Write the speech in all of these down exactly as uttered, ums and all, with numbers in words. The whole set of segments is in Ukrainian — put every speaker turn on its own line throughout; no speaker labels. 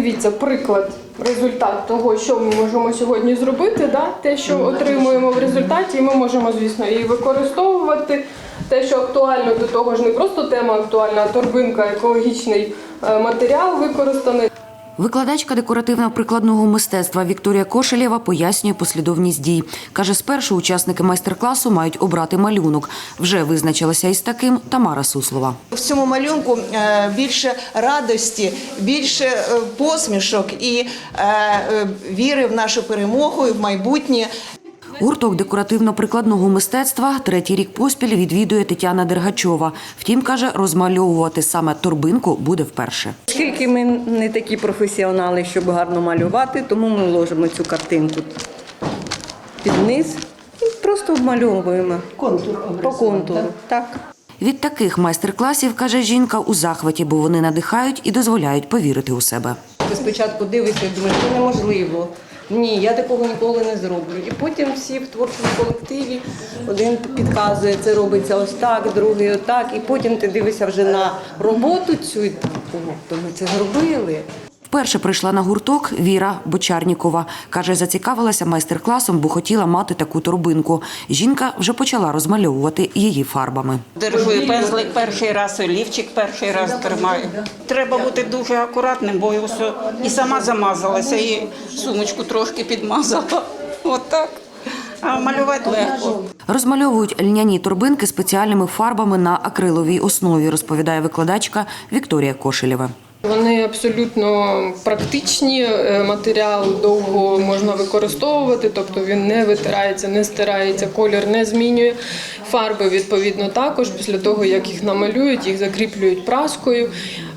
дивіться, приклад, результат того, що ми можемо сьогодні зробити, да? Те, що отримуємо в результаті, і ми можемо, звісно, і використовувати. Те, що актуально, до того ж не просто тема актуальна, а торбинка, екологічний матеріал використаний.
Викладачка декоративно-прикладного мистецтва Вікторія Кошелєва пояснює послідовність дій. Каже, спершу учасники майстер-класу мають обрати малюнок. Вже визначилася із таким Тамара Суслова.
В цьому малюнку більше радості, більше посмішок і віри в нашу перемогу і в майбутнє.
Гурток декоративно-прикладного мистецтва третій рік поспіль відвідує Тетяна Дергачова. Втім, каже, розмальовувати саме торбинку буде вперше.
Оскільки ми не такі професіонали, щоб гарно малювати, тому ми ложимо цю картинку під низ і просто обмальовуємо. Контур. По контуру. Так.
Від таких майстер-класів, каже жінка, у захваті, бо вони надихають і дозволяють повірити у себе.
Ти спочатку дивишся і думаєш, це неможливо. Ні, я такого ніколи не зроблю. І потім всі в творчому колективі, один підказує, це робиться ось так, другий отак. І потім ти дивишся вже на роботу цю, і то ми це зробили.
Вперше прийшла на гурток Віра Бочарнікова. Каже, зацікавилася майстер-класом, бо хотіла мати таку торбинку. Жінка вже почала розмальовувати її фарбами.
Держу пензлик перший раз, олівчик перший раз тримаю. Треба бути дуже акуратним, бо ось і сама замазалася, і сумочку трошки підмазала. Отак. А малювати легко.
Розмальовують льняні торбинки спеціальними фарбами на акриловій основі, розповідає викладачка Вікторія Кошелєва.
Вони абсолютно практичні, матеріал довго можна використовувати, тобто він не витирається, не стирається, колір не змінює. Фарби, відповідно, також після того, як їх намалюють, їх закріплюють праскою.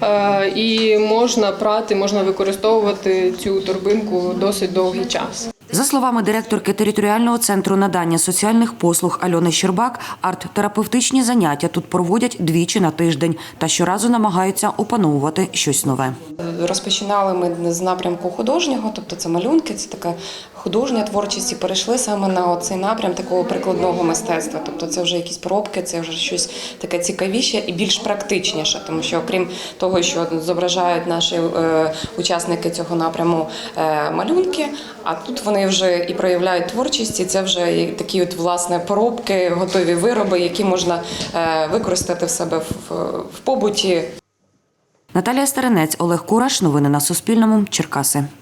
І можна прати, можна використовувати цю торбинку досить довгий час.
За словами директорки територіального центру надання соціальних послуг Альони Щербак, арт-терапевтичні заняття тут проводять двічі на тиждень та щоразу намагаються опановувати щось нове.
Розпочинали ми з напрямку художнього, тобто це малюнки, це така художня творчість, і перейшли саме на цей напрям такого прикладного мистецтва. Тобто це вже якісь пробки, це вже щось таке цікавіше і більш практичніше, тому що окрім того, що зображають наші е, учасники цього напряму е, малюнки, а тут вони вже і проявляють творчість, і це вже такі от, власне, поробки, готові вироби, які можна е, використати в себе в, в побуті.
Наталія Старинець, Олег Кураш. Новини на Суспільному. Черкаси.